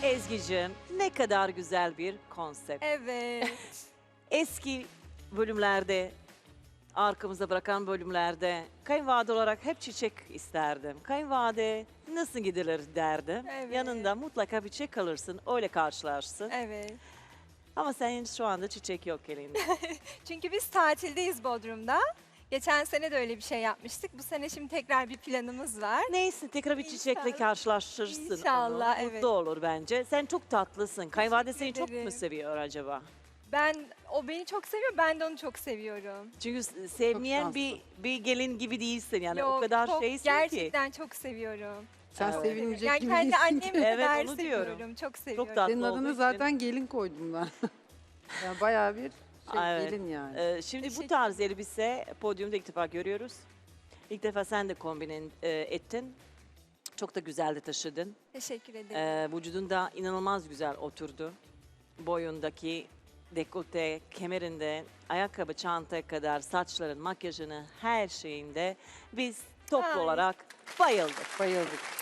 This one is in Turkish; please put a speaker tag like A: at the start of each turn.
A: Ezgi'cim, ne kadar güzel bir konsept.
B: Evet.
A: Eski bölümlerde, arkamızda bırakan bölümlerde kayınvalide olarak hep çiçek isterdim. Kayınvalide nasıl gidilir derdim.
B: Evet.
A: Yanında mutlaka bir çiçek alırsın, öyle karşılarsın.
B: Evet.
A: Ama senin şu anda çiçek yok elinde.
B: Çünkü biz tatildeyiz Bodrum'da. Geçen sene de öyle bir şey yapmıştık. Bu sene şimdi tekrar bir planımız var.
A: Neyse tekrar bir çiçekle
B: İnşallah.
A: karşılaşırsın
B: İnşallah,
A: onu.
B: evet.
A: Mutlu olur bence. Sen çok tatlısın. Kayınvalide seni çok mu
B: ederim.
A: seviyor acaba?
B: O beni çok seviyor, ben de onu çok seviyorum.
A: Çünkü sevmeyen
C: şanslı.
A: bir gelin gibi değilsin yani o
B: Yok,
A: kadar
B: çok,
A: şeysin ki.
B: gerçekten çok seviyorum.
C: Sen
A: Evet.
C: sevinecek
B: Yani
C: gibi
B: kendi
C: değilsin.
B: annemi
A: Evet,
B: kadar
A: onu
B: seviyorum.
A: diyorum.
B: Çok seviyorum.
A: tatlı
C: Senin
A: olduğu
C: adını
A: için.
C: zaten gelin koydum ben. Yani bayağı bir
A: Evet.
C: gelin yani.
A: Şimdi bu
B: Teşekkür
A: tarz elbise podyumda ilk defa görüyoruz. İlk defa sen de kombin ettin. Çok da güzel de taşıdın.
B: Teşekkür ederim.
A: Vücudunda inanılmaz güzel oturdu. Boyundaki dekolte, kemerinde, ayakkabı, çantaya kadar saçların, makyajını, her şeyinde biz toplu
B: Ay.
A: olarak bayıldık.
C: Bayıldık.